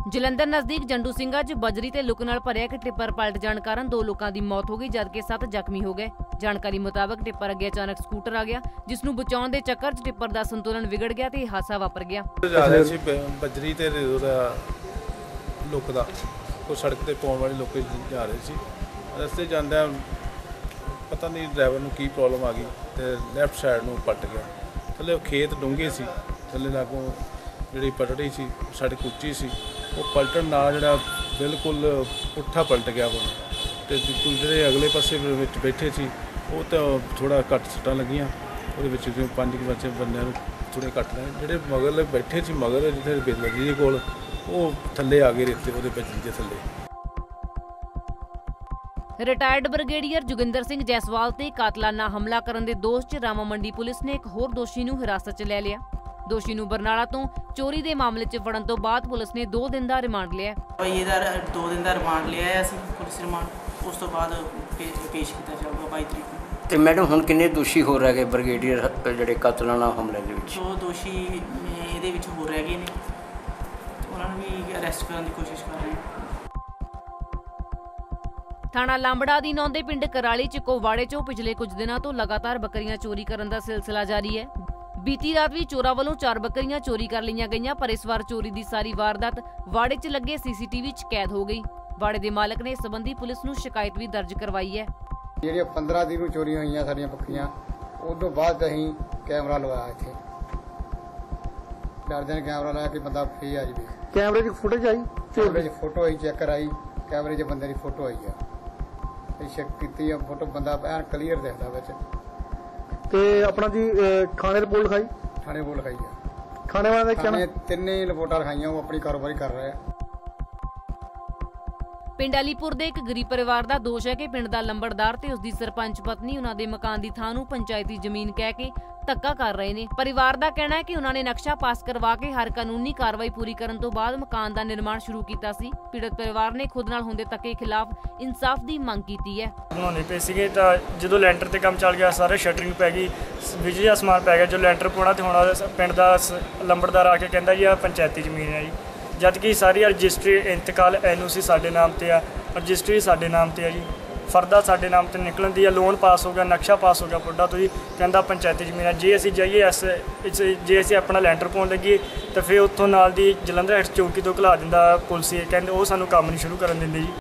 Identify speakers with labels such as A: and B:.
A: ਜਲੰਧਰ ਨਜ਼ਦੀਕ ਜੰਡੂ ਸਿੰਘਾ 'ਚ ਬਜਰੀ ਤੇ ਲੁੱਕ ਨਾਲ ਭਰਿਆ ਇੱਕ ਟਿੱਪਰ ਪਲਟ ਜਾਣ ਕਾਰਨ 2 ਲੋਕਾਂ ਦੀ ਮੌਤ ਹੋ ਗਈ ਜਦਕਿ 7 ਜ਼ਖਮੀ ਹੋ ਗਏ। ਜਾਣਕਾਰੀ ਮੁਤਾਬਕ ਟਿੱਪਰ ਅੱਗੇ ਅਚਾਨਕ ਸਕੂਟਰ ਆ ਗਿਆ ਜਿਸ ਨੂੰ ਬਚਾਉਣ ਦੇ ਚੱਕਰ 'ਚ ਟਿੱਪਰ ਦਾ ਸੰਤੁਲਨ ਵਿਗੜ ਗਿਆ ਤੇ ਹਾਦਸਾ ਵਾਪਰ ਗਿਆ।
B: ਬਜਰੀ ਤੇ ਲੁੱਕ ਦਾ ਉਹ ਸੜਕ ਤੇ ਪਾਉਣ ਵਾਲੇ ਲੋਕ ਜਾ ਰਹੇ ਸੀ। ਰਸਤੇ ਜਾਂਦਿਆਂ ਪਤਾ ਨਹੀਂ ਡਰਾਈਵਰ ਨੂੰ ਕੀ ਪ੍ਰੋਬਲਮ ਆ ਗਈ ਤੇ ਲੈਫਟ ਸਾਈਡ ਨੂੰ ਪਲਟ ਗਿਆ। ਥੱਲੇ ਖੇਤ ਡੂੰਘੇ ਸੀ, ਥੱਲੇ ਲਾਗੋਂ ਜਿਹੜੀ ਪਟੜੀ ਸੀ ਸੜਕ ਉੱਚੀ ਸੀ, ਉਹ ਪਲਟਣ ਨਾਲ ਜਿਹੜਾ ਬਿਲਕੁਲ ਪੁੱਠਾ ਪਲਟ ਗਿਆ ਉਹ ਤੇ ਜਿਹੜੇ ਅਗਲੇ ਪਾਸੇ ਵਿੱਚ ਬੈਠੇ ਸੀ ਉਹ ਤਾਂ ਥੋੜਾ ਘੱਟ ਸੱਟਾਂ ਲੱਗੀਆਂ। ਉਹਦੇ ਵਿੱਚ 5 ਬੱਚੇ ਬੰਦਿਆਂ ਨੂੰ ਥੋੜੇ ਘੱਟ ਰਹੇ, ਜਿਹੜੇ ਮਗਰ ਬੈਠੇ ਸੀ ਮਗਰ ਜਿੱਥੇ ਬੇਲਗੀ ਦੇ ਕੋਲ ਉਹ ਥੱਲੇ ਆ ਗਏ ਰੇਤੇ ਉਹਦੇ ਵਿੱਚ ਦੇ ਥੱਲੇ।
A: ਰਿਟਾਇਰਡ ਬ੍ਰਿਗੇਡੀਅਰ ਜੋਗਿੰਦਰ ਸਿੰਘ ਜੈਸਵਾਲ ਤੇ ਕਾਤਲਾਨਾ ਹਮਲਾ ਕਰਨ ਦੇ ਦੋਸ਼ 'ਚ ਰਾਮਾ ਮੰਡੀ ਪੁਲਿਸ ਨੇ ਇੱਕ ਹੋਰ ਦੋਸ਼ੀ ਨੂੰ ਹਿਰਾਸਤ 'ਚ ਲੈ ਲਿਆ। ਦੋਸ਼ੀ ਨੂੰ ਬਰਨਾਲਾ ਤੋਂ ਚੋਰੀ ਦੇ ਮਾਮਲੇ 'ਚ ਫੜਨ ਤੋਂ ਬਾਅਦ ਪੁਲਿਸ ਨੇ 2 ਦਿਨ ਦਾ ਰਿਮਾਂਡ ਲਿਆ।
C: ਇਹਦਾ 2 ਦਿਨ ਦਾ ਰਿਮਾਂਡ ਲਿਆ ਹੈ ਅਸੀਂ ਪੁਲਿਸ ਰਿਮਾਂਡ, ਉਸ ਤੋਂ ਬਾਅਦ ਪੇਸ਼ ਕੀਤਾ ਜਾਊਗਾ 22 ਤਰੀਕ ਨੂੰ।
D: ਤੇ ਮੈਡਮ ਹੁਣ ਕਿੰਨੇ ਦੋਸ਼ੀ ਹੋ ਰਹਿ ਗਏ ਬ੍ਰਿਗੇਡੀਅਰ ਜਿਹੜੇ ਕਾਤਲਾਨਾ ਹਮਲੇ ਦੇ ਵਿੱਚ?
C: 2 ਦੋਸ਼ੀ ਇਹਦੇ ਵਿੱਚ ਹੋ ਰਹਿ ਗਏ ਨੇ, ਉਹਨਾਂ ਨੂੰ ਵੀ ਅਰੈਸਟ ਕਰਨ ਦੀ ਕੋਸ਼ਿਸ਼ ਕਰ ਰਹੇ ਹਾਂ।
A: ਥਾਣਾ ਲਾਂਬੜਾ ਅਧੀਨ ਆਉਂਦੇ ਪਿੰਡ ਕਰਾਲੀ 'ਚ ਕੋਵਾੜੇ 'ਚੋਂ ਪਿਛਲੇ ਕੁਝ ਦਿਨਾਂ ਤੋਂ ਲਗਾਤਾਰ ਬੱਕਰੀਆਂ ਚੋਰੀ ਕਰਨ ਦਾ ਸਿਲਸਿਲਾ ਜਾਰੀ ਹੈ। ਬੀਤੀ ਰਾਤ ਵੀ ਚੋਰਾਂ ਵੱਲੋਂ 4 ਬੱਕਰੀਆਂ ਚੋਰੀ ਕਰ ਲਈਆਂ ਗਈਆਂ, ਪਰ ਇਸ ਵਾਰ ਚੋਰੀ ਦੀ ਸਾਰੀ ਵਾਰਦਾਤ ਵਾੜੇ 'ਚ ਲੱਗੇ CCTV 'ਚ ਕੈਦ ਹੋ ਗਈ। ਵਾੜੇ ਦੇ ਮਾਲਕ ਨੇ ਇਸ ਸੰਬੰਧੀ ਪੁਲਿਸ ਨੂੰ ਸ਼ਿਕਾਇਤ ਵੀ ਦਰਜ ਕਰਵਾਈ ਹੈ।
E: ਜਿਹੜੀਆਂ 15 ਦਿਨ ਨੂੰ ਚੋਰੀਆਂ ਹੋਈਆਂ ਸਾਡੀਆਂ ਬੱਕਰੀਆਂ, ਉਸ ਤੋਂ ਬਾਅਦ ਅਸੀਂ ਕੈਮਰਾ ਲਵਾਇਆ ਇੱਥੇ। 4 ਦਿਨ ਕੈਮਰਾ ਲਾਇਆ ਕਿ ਬੰਦਾ ਫ੍ਰੀ ਆ ਜਾਵੇ।
F: ਕੈਮਰੇ 'ਚ ਫੁਟੇਜ ਆਈ,
E: ਕੈਮਰੇ 'ਚ ਫੋਟੋ ਆਈ, ਚੈੱਕ ਕਰਾਈ, ਕੈਮਰੇ 'ਚ ਬੰਦੇ ਦੀ ਫੋਟੋ ਆਈ ਆ। ਅਸੀਂ ਚੈੱਕ ਕੀਤੀ ਆ ਫੋਟੋ, ਬੰਦਾ ਐਨ ਕਲੀਅਰ ਦਿਖਦਾ ਵਿੱਚ।
F: ਤੇ ਆਪਣਾ ਜੀ ਥਾਣੇ ਰਿਪੋਰਟ ਲਿਖਾਈ?
E: ਥਾਣੇ ਰਿਪੋਰਟ ਲਿਖਾਈ ਆ।
F: ਥਾਣੇ ਵਾਲਿਆਂ ਦਾ ਕਹਿਣਾ
E: ਤਿੰਨੇ ਰਿਪੋਰਟਾਂ ਲਿਖਾਈਆਂ, ਉਹ ਆਪਣੀ ਕਾਰੋਬਾਰੀ ਕਰ ਰਹੇ ਆ।
A: ਪਿੰਡ ਅਲੀਪੁਰ ਦੇ ਇੱਕ ਗਰੀਬ ਪਰਿਵਾਰ ਦਾ ਦੋਸ਼ ਹੈ ਕਿ ਪਿੰਡ ਦਾ ਲੰਬੜਦਾਰ ਤੇ ਉਸਦੀ ਸਰਪੰਚ ਪਤਨੀ ਉਹਨਾਂ ਦੇ ਮਕਾਨ ਦੀ ਥਾਂ ਨੂੰ ਪੰਚਾਇਤੀ ਜ਼ਮੀਨ ਕਹਿ ਕੇ ਧੱਕਾ ਕਰ ਰਹੇ ਨੇ। ਪਰਿਵਾਰ ਦਾ ਕਹਿਣਾ ਹੈ ਕਿ ਉਹਨਾਂ ਨੇ ਨਕਸ਼ਾ ਪਾਸ ਕਰਵਾ ਕੇ ਹਰ ਕਾਨੂੰਨੀ ਕਾਰਵਾਈ ਪੂਰੀ ਕਰਨ ਤੋਂ ਬਾਅਦ ਮਕਾਨ ਦਾ ਨਿਰਮਾਣ ਸ਼ੁਰੂ ਕੀਤਾ ਸੀ। ਪੀੜਤ ਪਰਿਵਾਰ ਨੇ ਖੁਦ ਨਾਲ ਹੁੰਦੇ ਧੱਕੇ ਖਿਲਾਫ ਇਨਸਾਫ ਦੀ ਮੰਗ ਕੀਤੀ ਹੈ।
G: ਬਣਾਉਂਦੇ ਪਏ ਸੀਗੇ ਤਾਂ ਜਦੋਂ ਲੈਂਟਰ ਤੇ ਕੰਮ ਚੱਲ ਗਿਆ, ਸਾਰੇ ਸ਼ਟਰਿੰਗ ਪੈ ਗਈ, ਬਿਜਲੀ ਦਾ ਸਮਾਨ ਪੈ ਗਿਆ। ਜੋ ਲੈਂਟਰ ਪਾਉਣਾ ਤੇ ਹੁਣ ਪਿੰਡ ਦਾ ਲੰਬੜਦਾਰ ਆ ਕੇ ਕਹਿੰਦਾ ਜੀ ਆਹ ਪੰਚਾਇਤੀ ਜ਼ਮੀਨ ਹੈ ਜੀ, ਜਦ ਕਿ ਸਾਰੀ ਰਜਿਸਟਰੀ ਇੰਤਕਾਲ NOC ਸਾਡੇ ਨਾਮ ਤੇ ਆ, ਰਜਿਸਟਰੀ ਸਾਡੇ ਨਾਮ ਤੇ ਆ ਜੀ, ਫਰਦਾ ਸਾਡੇ ਨਾਮ ਤੇ ਨਿਕਲਣ ਦੀ ਆ, ਲੋਨ ਪਾਸ ਹੋ ਗਿਆ, ਨਕਸ਼ਾ ਪਾਸ ਹੋ ਗਿਆ ਪੁੱਡਾ ਤੋਂ ਜੀ, ਕਹਿੰਦਾ ਪੰਚਾਇਤੀ ਜ਼ਮੀਨ ਹੈ। ਜੇ ਅਸੀਂ ਜਾਈਏ ਜੇ ਅਸੀਂ ਆਪਣਾ ਲੈਂਟਰ ਪਾਉਣ ਲੱਗੀਏ ਤਾਂ ਫਿਰ ਉੱਥੋਂ ਨਾਲ ਦੀ ਜਲੰਧਰ ਚੌਕੀ ਤੋਂ ਘਲਾ ਦਿੰਦਾ ਪੁਲਿਸ, ਕਹਿੰਦੇ ਉਹ ਸਾਨੂੰ ਕੰਮ ਨਹੀਂ ਸ਼ੁਰੂ ਕਰਨ ਦਿੰਦੇ ਜੀ।